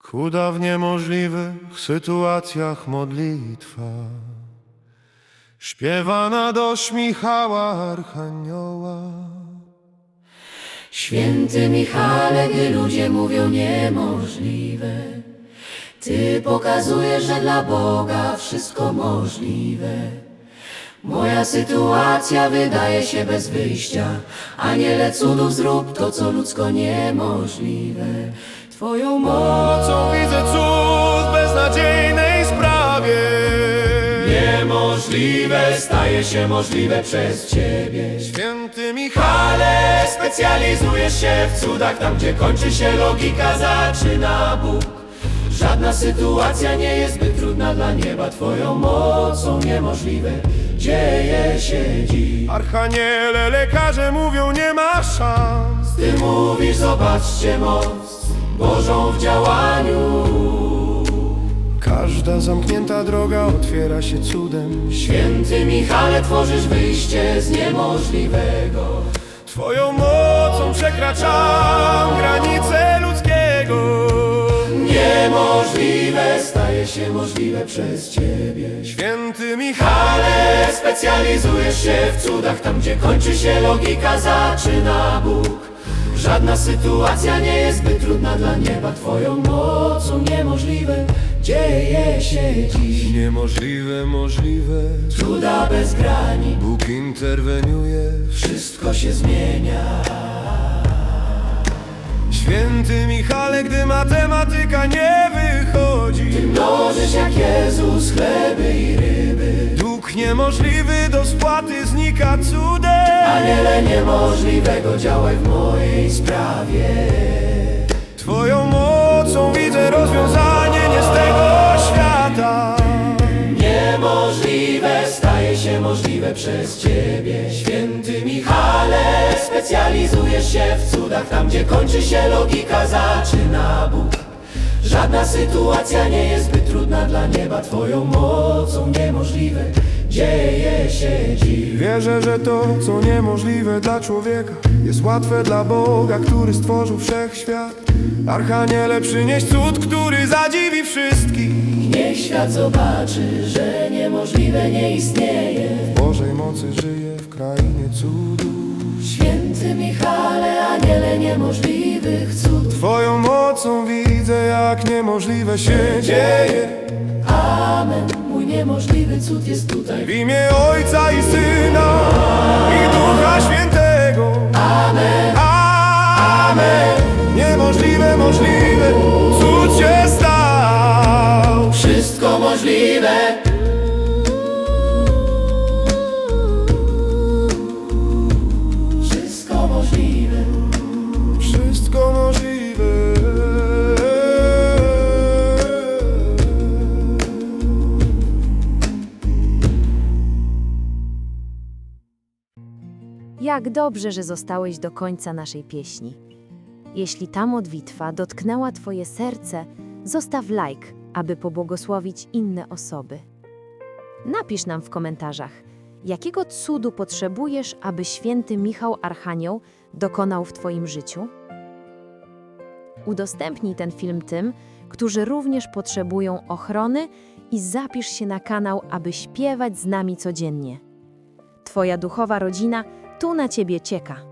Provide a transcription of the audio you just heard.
Chuda w niemożliwych sytuacjach modlitwa, śpiewana do Michała Archanioła. Święty Michale, gdy ludzie mówią niemożliwe, Ty pokazujesz, że dla Boga wszystko możliwe. Moja sytuacja wydaje się bez wyjścia, Aniele cudów, zrób to, co ludzko niemożliwe. Twoją Mocą widzę cud w beznadziejnej sprawie. niemożliwe staje się możliwe przez Ciebie. Święty Michał, Ale specjalizujesz się w cudach, tam gdzie kończy się logika, zaczyna Bóg. Żadna sytuacja nie jest zbyt trudna dla nieba, Twoją mocą niemożliwe dzieje się dziś. Archaniele, lekarze mówią, nie ma szans. Ty mówisz, zobaczcie moc Bożą w działaniu. Każda zamknięta droga otwiera się cudem. Święty Michale, tworzysz wyjście z niemożliwego. Twoją mocą przekraczam granice ludzkiego. Niemożliwe staje się możliwe przez Ciebie. Święty Michał, Ale specjalizujesz się w cudach, tam gdzie kończy się logika, zaczyna Bóg. Żadna sytuacja nie jest zbyt trudna dla nieba, Twoją mocą niemożliwe dzieje się dziś. niemożliwe, możliwe. Cuda bez granic, Bóg interweniuje. wszystko się zmienia. Święty Michale, gdy matematyka nie wychodzi, Mnożysz jak Jezus chleby i ryby. dług niemożliwy do spłaty znika cudem. Aniele niemożliwego, działaj w mojej sprawie. Twoją mocą widzę rozwiązanie nie z tego świata. Niemożliwe staje się możliwe przez Ciebie. Święty Michale, specjalizujesz się w cudach, tam gdzie kończy się logika, zaczyna Bóg. Żadna sytuacja nie jest zbyt trudna dla nieba, Twoją mocą niemożliwe dzieje się dziś. Wierzę, że to, co niemożliwe dla człowieka, jest łatwe dla Boga, który stworzył wszechświat. Archaniele, przynieś cud, który zadziwi wszystkich. Niech świat zobaczy, że niemożliwe nie istnieje. W Bożej mocy żyje w krainie cudów. Święty Michale, aniele niemożliwych cudów. Twoją mocą widzę, jak niemożliwe się dzieje. Amen, mój niemożliwy cud jest tutaj. W imię Ojca i Syna i Ducha Świętego. Amen, Amen. Niemożliwe, możliwe, cud się stał. wszystko możliwe. Wszystko możliwe. Wszystko możliwe. Jak dobrze, że zostałeś do końca naszej pieśni. Jeśli ta modlitwa dotknęła Twoje serce, zostaw like, aby pobłogosławić inne osoby. Napisz nam w komentarzach, jakiego cudu potrzebujesz, aby święty Michał Archanioł dokonał w Twoim życiu? Udostępnij ten film tym, którzy również potrzebują ochrony i zapisz się na kanał, aby śpiewać z nami codziennie. Twoja duchowa rodzina tu na Ciebie czeka.